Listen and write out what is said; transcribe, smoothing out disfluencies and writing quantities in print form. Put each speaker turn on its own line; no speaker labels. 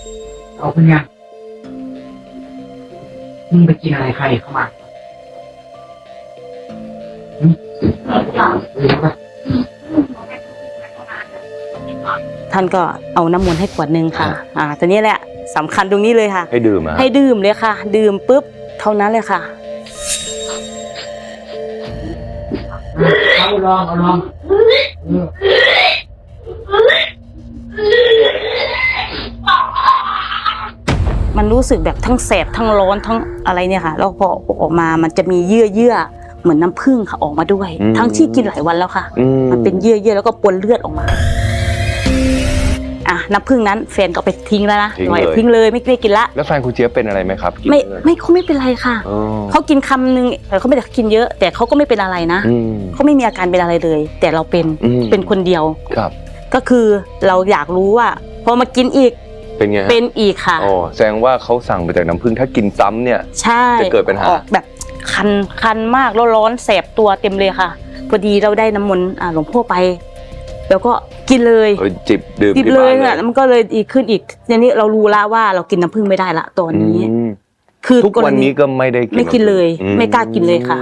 เอาเป็นไงมึงไปกินอะไรใครเข้ามา
ท่านก็เอาน้ำมนต์ให้ขวดนึงค่ะตอนนี้แหละสำคัญตรงนี้เลยค่ะ
ให้ดื่มอ่ะ
ให้ดื่มเลยค่ะ ดื่มปุ๊บเท่านั้นเลยค่ะ
เอาลอง
มันรู้สึกแบบทั้งแสบทั้งร้อนทั้งอะไรเนี่ยค่ะแล้วพอออกมามันจะมีเยื่อเหมือนน้ำผึ้งค่ะออกมาด้วยทั้งที่กินหลายวันแล้วค่ะมันเป็นเยื่อแล้วก็ปนเลือดออกมาน้ำผึ้งนั้นแฟนก็ไปทิ้งแล้วนะทิ้งเลยไม่ได้กินละ
แล้วแฟนคุณเจี๊ยบเป็นอะไรไหมครับ
เขาไม่เป็นไรค่ะเขากินคำนึงแต่เขาไม่ได้กินเยอะแต่เขาก็ไม่เป็นอะไรนะเขาไม่มีอาการเป็นอะไรเลยแต่เราเป็นคนเดียว
ครับ
ก็คือเราอยากรู้ว่าพอมากินอีก
เป็นไง
เป็นอีกค่ะ
อ๋อแสดงว่าเขาสั่งมาจากน้ำผึ้งถ้ากินซ้ำเนี่ย
ใช่
จะเกิดปัญหา
แบบคันมากแล้วร้อนแสบตัวเต็มเลยค่ะพอดีเราได้น้ำมนต์หลวงพ่อไปแล้วก็กินเลย
จิบ
เลยอ่ะมันก็เลยดีขึ้นอีกทีนี้เรารู้แล้วว่าเรากินน้ำผึ้งไม่ได้ละตอนนี้
คือทุกวันนี้ก็ไม่ได้
ไม่กินเลยไม่กล้ากินเลยค่ะ